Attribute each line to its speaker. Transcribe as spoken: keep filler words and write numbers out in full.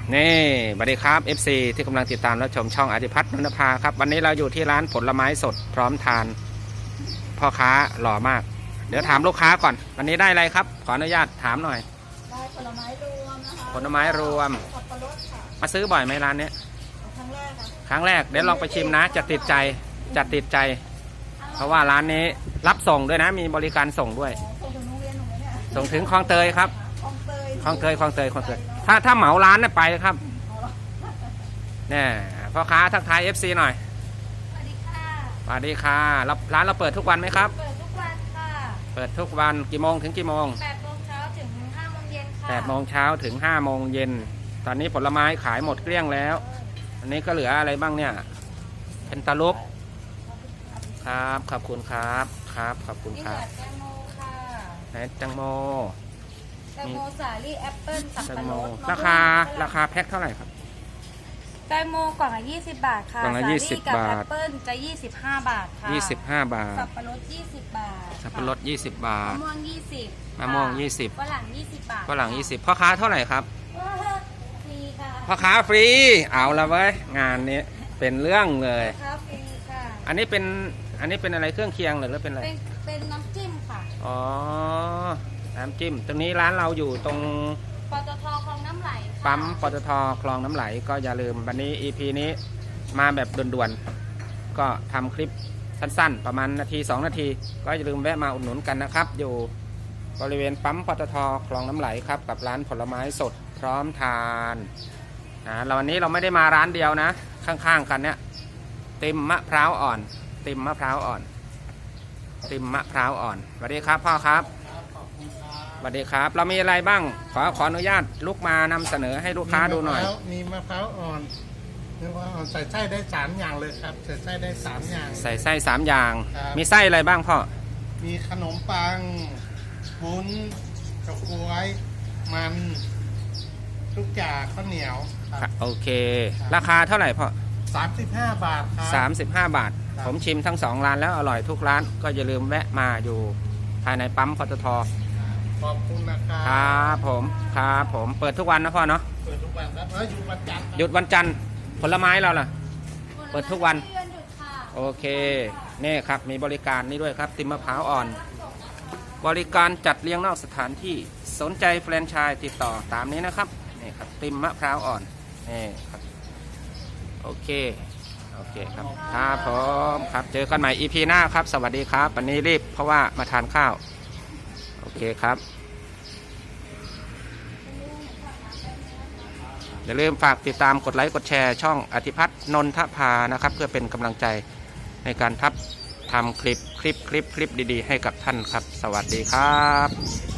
Speaker 1: นี่สวัสดีครับ เอฟ ซี ที่กำลังติดตามและชมช่องอธิพัฒน์นนภาครับวันนี้เราอยู่ที่ร้านผลไม้สดพร้อมทานพ่อค้าหล่อมากเดี๋ยวถามลูกค้าก่อนวันนี้ได้อะไรครับขออนุญาตถามหน่อย
Speaker 2: ได้ผลไม้รวมนะคะ
Speaker 1: ผลไม้รวม
Speaker 2: สับปะรดค่ะ
Speaker 1: มาซื้อบ่อยไหมร้านนี้
Speaker 2: ครั้งแรกค่ะ
Speaker 1: ครั้งแรกเดี๋ยวลองไปชิมนะจะติดใจจะติดใจ เพราะว่าร้านนี้รับส่งด้วยนะมีบริการส่งด้วย
Speaker 2: ส่งถึงโรงเรียนหนูไหมเนี่ย
Speaker 1: ส่งถึงคลองเตยครับ
Speaker 2: คลองเตย
Speaker 1: คลองเตยคลองเตยคลองเตยถ้าถ้าเหมาร้านน่ะไปครับเนี่ยพ่อค้าทักทาย เอฟ ซี หน่อย
Speaker 2: สวัสดีค่ะ
Speaker 1: สวัสดีค่ะร้านเราเปิดทุกวันไหมครับ
Speaker 2: เปิดทุกวันค่ะ
Speaker 1: เปิดทุกวันกี่โมงถึงกี่โมง
Speaker 2: แปดโมงเช้าถึงห้าโมงเย็นค่ะ
Speaker 1: แปดโมงเช้าถึงห้าโมงเย็นตอนนี้ผลไม้ขายหมดเกลี้ยงแล้วอันนี้ก็เหลืออะไรบ้างเนี่ยเป็นตาลุกครับขอบคุณครับครับขอบคุณครับ
Speaker 2: แตงโมค่ะ
Speaker 1: ไหนแตงโม
Speaker 2: แตงโมสาลี่แอปเปิ้ลสับปะรด
Speaker 1: ราคาราคาแพ็คเท่าไหร่ครับ
Speaker 2: แตงโมกล่องละยี่สิบบาทค่ะ
Speaker 1: กล่องละยี่สิบบาท
Speaker 2: แอปเปิ้ลจะยี่สิบห้าบาทค่ะ
Speaker 1: ยี่สิบห้าบาท
Speaker 2: สับปะรดยี่สิบบาท
Speaker 1: สับปะรดยี่สิบบาท
Speaker 2: มะม่วงยี่สิบ
Speaker 1: มะม่วงยี่สิบ
Speaker 2: ฝรั่งยี่สิบบาท
Speaker 1: ฝรั่งยี่สิบพ่อค้าเท่าไหร่ครับ
Speaker 2: ฟรีค่ะ
Speaker 1: พ่อค้าฟรีเอาละเว้ยงานนี้เป็นเรื่องเลย
Speaker 2: พ่อค้าฟรีค่ะ
Speaker 1: อันนี้เป็นอันนี้เป็นอะไรเครื่องเคียงหรือเป็นอะไร
Speaker 2: เป็นเป็นน้ำจิ้มค่ะ
Speaker 1: อ๋อน้ำจิ้มตรงนี้ร้านเราอยู่ตรง
Speaker 2: ปตทคลองน้ำไหล
Speaker 1: ปั๊มปตทคลองน้ำไหลก็อย่าลืมวันนี้ อี พี นี้มาแบบด่วนๆก็ทำคลิปสั้นๆประมาณนาทีสองนาทีก็อย่าลืมแวะมาอุดหนุนกันนะครับอยู่บริเวณปั๊มปตทคลองน้ำไหลครับกับร้านผลไม้สดพร้อมทานนะเราวันนี้เราไม่ได้มาร้านเดียวนะข้างๆกันเนี่ยติมมะพร้าวอ่อนติมมะพร้าวอ่อนติมมะพร้าวอ่อนสวัสดีครับพ่อครับสวัสดีครับเรามีอะไรบ้างขอขออนุญาตลุกมานำเสนอให้ลูกค้าดูหน่อย
Speaker 3: มีมะพร้าวอ่อนมะพร้าวอ่อนใส่ไส้ได้สามอย่างเลยครับใส่ไส้ได้สามอย่าง
Speaker 1: ใส่ไส้สามอย่างมีไส้อะไรบ้างพ่อ
Speaker 3: มีขนมปังวุ้นกระกวยมันทุกอย่างข้าวเหนียว
Speaker 1: โอเคราคาเท่าไหร่พ่อ
Speaker 3: สามสิบห้าบาทครับ
Speaker 1: สามสิบห้าบาทผมชิมทั้งสองร้านแล้วอร่อยทุกร้านก็อย่าลืมแวะมาอยู่ภายในปั๊มปตท
Speaker 3: ขอบคุณนะครับ
Speaker 1: ครับผมครับผมเปิดทุกวันนะพ่อเนาะ
Speaker 3: เปิดทุกวันครับหยุดวันจันทร์
Speaker 1: หยุดวันจันทร์ผลไม้เราล่ะเปิดทุกวันโอเคนี่ครับมีบริการนี่ด้วยครับติมมะพร้าวอ่อนบริการจัดเลี้ยงนอกสถานที่สนใจแฟรนไชส์ติดต่อตามนี้นะครับนี่ครับติมมะพร้าวอ่อนนี่ครับโอเคโอเคครับครับผมครับเจอกันใหม่ อี พี หน้าครับสวัสดีครับวันนี้รีบเพราะว่ามาทานข้าวโอเคครับอย่าลืมฝากติดตามกดไลค์กดแชร์ช่องอธิพัฒน์นนทภานะครับเพื่อเป็นกำลังใจในการทับทำคลิปคลิปคลิปคลิปดีๆให้กับท่านครับสวัสดีครับ